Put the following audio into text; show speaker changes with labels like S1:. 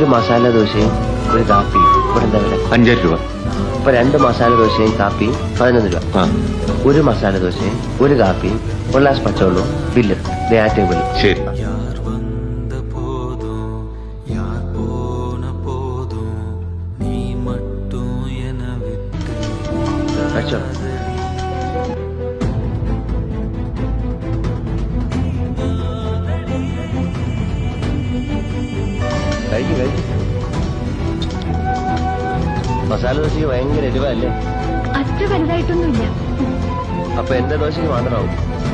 S1: ഒരു മസാല ദോശയും ഒരു കാപ്പിയും ഇവിടെ എന്താ വില?
S2: 5 രൂപ.
S1: ഇപ്പൊ 2 മസാല ദോശയും കാപ്പിയും 11 രൂപ. ഒരു മസാല ദോശയും ഒരു കാപ്പിയും ഒരു ഗ്ലാസ് പച്ചവെള്ളവും ബില്ല് ദേ ആ ടേബിൾ.
S2: ശരി.
S1: കഴിച്ചോ? കഴിക്കും. മസാല ദോശയ്ക്ക് ഭയങ്കര എരിവല്ലേ?
S3: അത്ര വലുതായിട്ടൊന്നുമില്ല.
S1: അപ്പൊ എന്റെ ദോശയ്ക്ക് മാത്രമാവും.